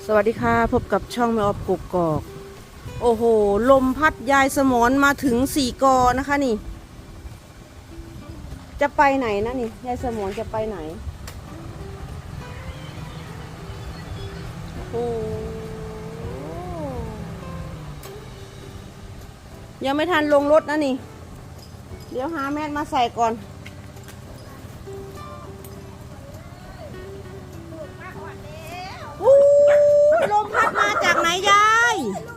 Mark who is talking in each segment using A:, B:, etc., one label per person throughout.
A: สวัสดีค่ะพบกับช่องแม่ออฟกกอกโอ้โหลมพัดยายสมรมาถึง4 กอนะคะนี่จะไปไหนนะนี่ยายสมรจะไปไหนโอ้ยังไม่ทันลงรถนะนี่เดี๋ยวหาแมสมาใส่ก่อนลมพัดมาจากไหนยาย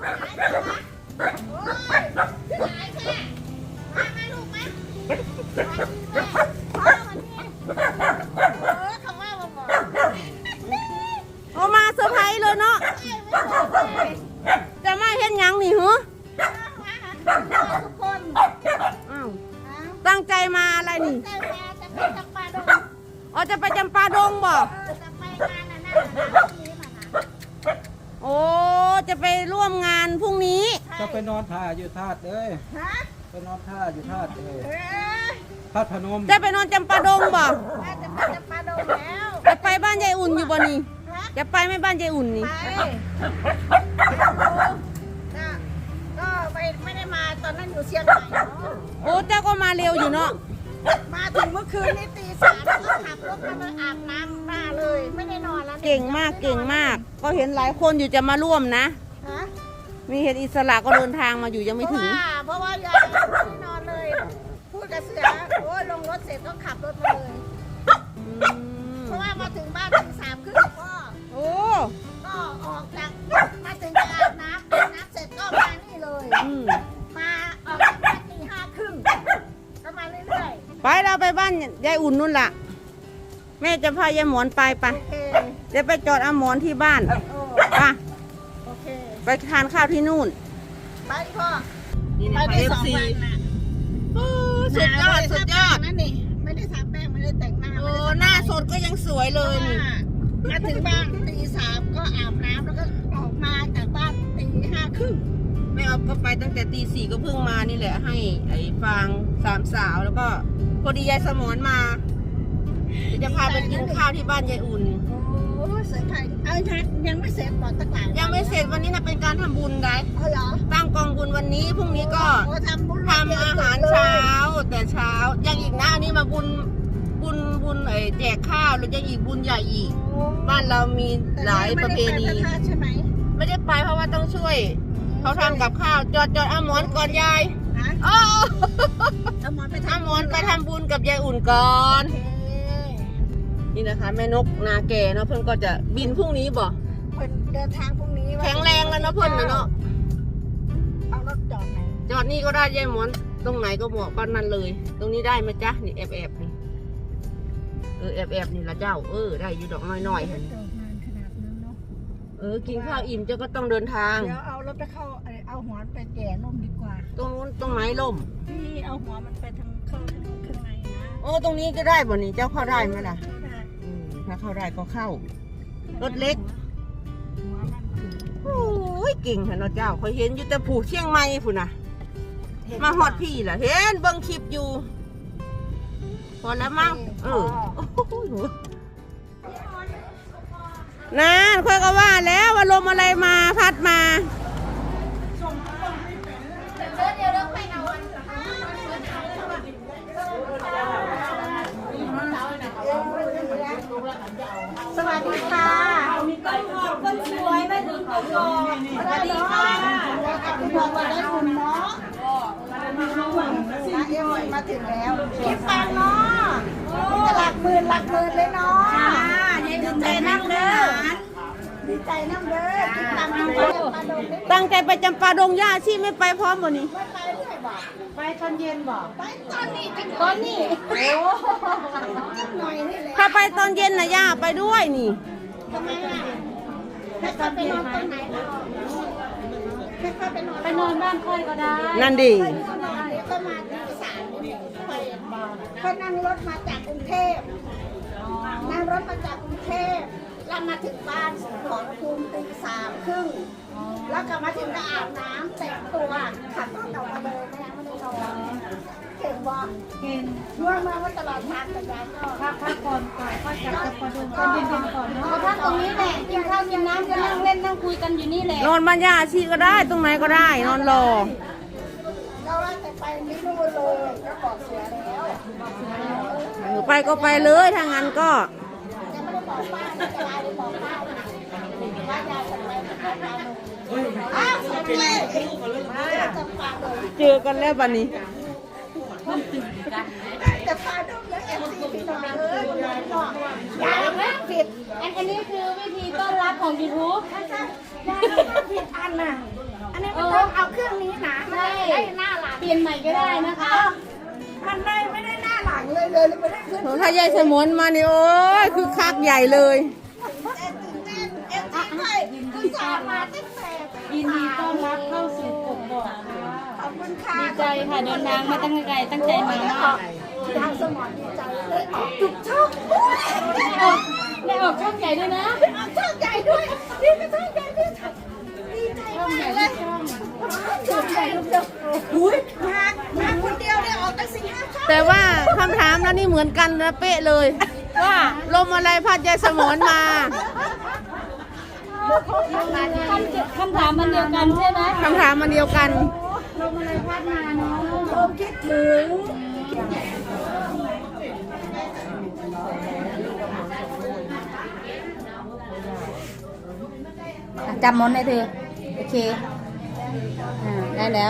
A: เอามาเซอร์ไพรส์เลยเนาะจะไม่เห็นยังนี่เหรออ้าวตั้งใจมาอะไรนี่อ๋อจะไปจำปาดงบ่โอ้จะไปร่วมงานพรุ่งนี้
B: จะไปนอนท่าอยู่ธาตุเลยไปนอนท่าอยู่ธาตุเลยธาตุพนม
A: จะไปนอนจำปาดงบ่
C: จะไปจำปาดงแล้ว
A: จะไปบ้านยายอุ่นอยู่บ่นี่จะไปไม่บ้านยายอุ่นนี่
C: ก็ไม่ได้มาตอนนั้นอยู่เชียงใหม่
A: โอ้เจ้าก็มาเร็วอยู่เนาะ
C: มาถึงเมื่อคืนนี้ตี 3แล้วก็ขับรถมาอาบน้ำมาเลยไม่ได้นอนแล้ว
A: เก่งมากเก่งมากก็เห็นหลายคนอยู่จะมาร่วมนะมีเห็นอิสระก็เดินทางมาอยู่ยังไม่ถึง
C: เพราะว่ายายไม่ได้นอนเลยพูดกับเสือโอ้ลงรถเสร็จก็ขับรถมาเลยเพราะว่ามาถึงบ้านตี 3 ครึ่งก็ก็ออกจากมาถึงจะอาบน้ำเสร็จก็มานี่เลยมาออกจากบ้านตี 5 ครึ่งก็มาเรื่อย
A: ๆไปเราไปบ้านยายอุ่นนู่นล่ะแม่จะพายายหมอนไปเดี๋ยวไปจอดเอาหมอนที่บ้านป่ะไปทานข้าวที่นู่น
C: ไปพ่อ
A: นี่นะไป2 วันนะสุดยอดสุดยอด
C: นั่นนี่ไม่ได้ทาแป้งไม่ได้แต่งหน้า
A: โอ้หน้าสดก็ยังสวยเลยนี่
C: มาถึงบ้านตี 3ก็อาบน้ำแล้วก็ออกมาจากบ้านตี 5 ครึ่ง
A: แม่ออฟก็ไปตั้งแต่ตี 4ก็เพิ่งมานี่แหละให้ไอ้ฟาง3 สาวแล้วก็พอดียายสมรมาจะพาไปกินข้าวที่บ้านยายอุ่น
C: โอ้เสร็จใครเอาทักยังไม่เสร็จหมดตะการ
A: ยังไม่เสร็จวันนี้นะเป็นการทำบุญได้
C: เหรอ
A: ตั้งกองบุญวันนี้พรุ่งนี้ก็ทำอาหารเช้าแต่เช้ายังอีกนะอันนี้มาบุญแจกข้าวแล้วยังอีกบุญใหญ่อีกบ้านเรามีหลายประเพณี
C: ใช่ไหม
A: ไม่ได้ไปเพราะว่าต้องช่วยเขาทำกับข้าวจอดเอาหมอนก่อนยาย
C: เอาหมอนไปท
A: ำบุญกับยายอุ่นก่อนนี่นะคะแม่นกนาแก่เนาะเพื่อนก็จะบินพรุ่งนี้บ่
C: เพื่อนเดินทางพรุ่งนี้
A: แข็งแรงแล้วเนาะเพื่อนเนาะ
C: เอารถจอดไหน
A: จอดนี่ก็ได้ยายหมอนตรงไหนก็เหมาะก็นั่นเลยตรงนี้ได้ไหมจ๊ะนี่แอบนี่แอบนี่ละเจ้าได้อยู่ดอกน้อยๆเห็นกินข้าวอิ่มเจ้าก็ต้องเดินทาง
C: เดี๋ยวเอารถไปเข้าเอาหัวไปแก่ล่มดีกว่า
A: ตรงนู้นตรงไหนล่ม
C: ที่เอาหัวมันไปทางข้างในนะ
A: ตรงนี้ก็ได้บ่นี่เจ้าเข้าได้ไหมล่ะถ้าเข้าได้ก็เข้ารถเล็กโอ้ยเก่งเหรอเนาะเจ้าเคยเห็นอยู่แต่ผูเชียงใหม่ผู้น่ะมาฮอดพี่ล่ะเห็นเบิ่งคลิปอยู่พอแล้วมั้งนั่นค่อยก็ว่าแล้วว่าลมอะไรมาพัดมา
C: สวัสดีค่ะคนสวยมาถึงก่อนสวัสดีค่ะคุณพ่อมาได้คุณเนาะมาถึงแล้วคิดฟังเนาะจะหลักหมื่นเลยเนาะดีใจน้ำเด้อดีใจน้ำเด้อคิดตังค์
A: ตั้งใจไปจำปาดงย่าชีไม่ไปพร้อมบ่นี่
C: ไม่ไปด้วยบ่
A: ไปตอนเย็นบ่
C: ไปตอนนี้โอ้หน่อยนี่แหละ
A: ถ้าไปตอนเย็นนะย่าไปด้วยนี่
C: ทำไมให้เขาไปนอนตรงไหนให้เขาไปนอน
D: บ้านค่อยก็ได้
A: นั่นดี
C: ก็มาตี 3เขานั่งรถมาจากกรุงเทพแล้วมาถึงบ้านสุขอภูมิตี 3 ครึ่งแล้วก็มาถึงก็อาบน้ำแต่งตัวขับรถออกมาเลยไม่ได้นอนเก่งบ่
D: เก่ง
C: ร่วงมาว่าตลอดทางแต่ยายก็
D: พักก่อนก็จับจะพอดูตอนเย็นๆก่อนเนาะ
C: พักตรงนี้แหละกินข้าวกินน้ำจะนั่งเล่นนั่ง
D: นั่งคุยกันอยู่นี่แหละ
A: นอนบ้านย่าอาชีก็ได้ตรงไหนก็ได้นอนรอ
C: เราว่าจะไปไม่รู้เลยก็บอกเสือแล้ว
A: ไปก็ไปเลยถ้างั้นก็
C: ยังไม่ได้บอกป้าไม่จะลาเลยบอกป้าว่ายายจะไปกับเราอ้าวสวัสดีมาจะฝากเลย
A: เจอกันแล้วบัดนี้
C: จะพาดูแล้วFC พี่น้องยายบอกยายนะผิด
D: อันนี้คือวิธีต้อนรับของ YouTube
C: ใช่ใช่ยายผิดอันน่ะอันนี้มันต้องเอาเครื่องนี้นะมันได้หน้าหลัง
D: เปลี่ยนใหม่ก็ได้นะคะ
C: มันได้ไม่ได้หน้าหลังเลยไม่ได้ขึ้น
A: ถ้ายายสมนมานี่โอ้ยคือคักใหญ่เลย
C: คือสามาตั้งแต่
D: ยินดีต้อนรับเข้าสู่กบก
C: ขอบคุณค่ะ
D: ดีใจค่ะเดินทางมาตั้งไกลตั้งใจมามาก
C: ยายสมอนดีใจเลยออกจุกช่อง
D: ได้ออกช่องใหญ่ด้วยนะ
C: ออกช่องใหญ่ด้วยนี่ก็ช่องใหญ่ด้วยดีใจ
D: ช่องใหญ่
C: มาก
D: ทุ
C: เลย
D: กช่อง
C: ช่องใหญ่ลูกเดียวอุ้ยมาคนเดียวเนี่ยออกตั้ง4-5 ช่อง
A: แต่ว่าคำถามแล้วนี่เหมือนกันนะเป๊ะเลย ว่าลมอะไรพัดยายสมนมา
D: คำถามมันเดียวกันใช่ไหม
A: คำถามมันเดียวกัน
D: ลมอะไรพัดมาเนาะ
C: ลมคิดถึง
D: จำมอนได้เธอโอเคได้แล้ว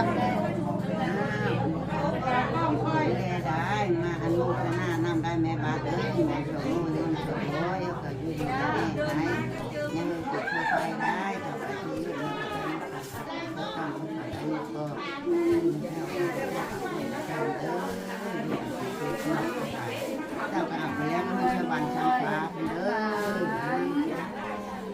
E: ได้มาอนุโมทนานำได้แม่บาทเอ้ยแม่โสมเรื่องโสมโอ้ยก็อยู่ดีได้ไหมยังเกิดเข้าไปได้ต่อไปที่อยู่ในประเทศก็ต้องอันนี้ก็เจ้าก็เอาไปแล้วก็ชาวบ้านชาวฟ้าเป็นเด้อ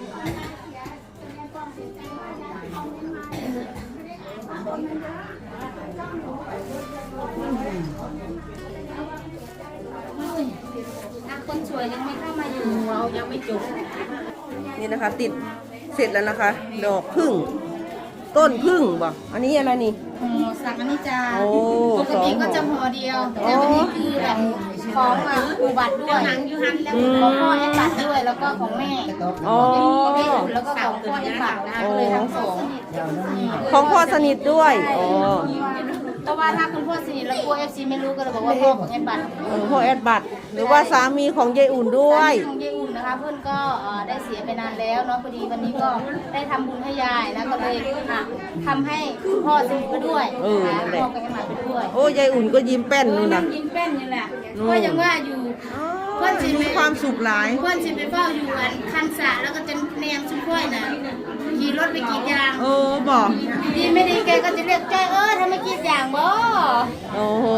D: คนสวยยังไม่เข้ามาอยู่เรายังไม่จบ
A: นี่นะคะ ติดเสร็จแล้วนะคะ ดอกพึ่ง ต้นพึ่งบ่อันนี้อะไรนี่
D: ห่อสักอันนี้จะ
A: โอ้
D: ปกติก็จะห่อเดียว แต่วันนี้คือแบบของอุบัติด้วยของพ่อแอดบัตรด้วยแล้วก็ของแม่
A: อ๋อ
D: แม่อุ่นแล้วก็ของพ่อแอดบัตรนะคะก็เลยทั้งสอง
A: ของพ่อสนิทด้วยอ๋อ
D: เพราะว่าถ้าคุณพ่อสนิทแล้วกลัว FC ไม่รู้ก็เลยบอกว่าพ่อของแอดบัตร
A: พ่อแอดบัตรหรือว่าสามีของยายอุ่นด้วย
D: ของยายอุ่นนะคะเพื่อนก็ได้เสียไปนานแล้วเนาะพอดีวันนี้ก็ได้ทำบุญให้ยายแล้วก็เลยทำให้คุณพ่อสนิทไปด้วยนะคะพ่อกับแอดบัตรไปด้วย
A: โอ้ยายอุ่นก็ยิ้มแป้นนู่น
D: นั่
A: นะ
D: งยิ้มแป้นนี่แหละก็ยังว่าอยู่ เพื่อนสิ
A: มีความสุขหลาย
D: เพื่อนสิไปเฝ้าอยู่อันคันสระแล้วก็จะแนมชุ่มค่อยน่ะขี่รถไปกรีดยาง
A: โอ้บอก
D: ดีไม่ดีแกก็จะเรียกจ้อยทำไมกรีดยางบ่
A: โอ้โห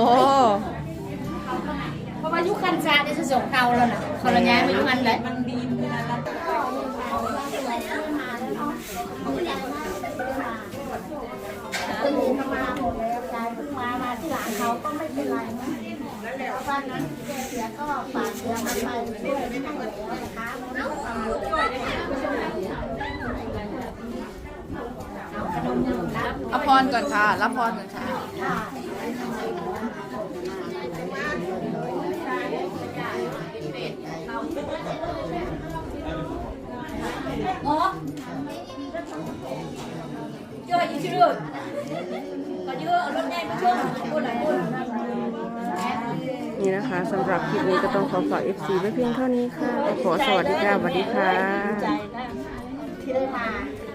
D: เพราะว่ายุคคันสระได้สงเก่าแล้วน่ะคนละย้ายมายุคคันเลยมันดี
C: คนอื่นมาหมดแล้วยายเพิ่งมาที่หลังเขาก็ไม่เป็นไรนะแล้วบ้านนั้นแกเสียก็ฝากเสียมาไปช่วยไม่ต้องแล้วนะคะ
A: รับพรก่อนค่ะ รับพรก่อนค่ะ
D: อ๋อจ้อยยิ่งชื่อก็เยอะรถแดงมาช่วงคนหลายคน
A: นี่นะคะสำหรับคลิปนี้ก็ต้องขอฝาก FC ไว้เพียงเท่านี้ค่ะ ขอสวัสดีค่ะสวัสดีค่ะ
C: ใจนะที่ได้มา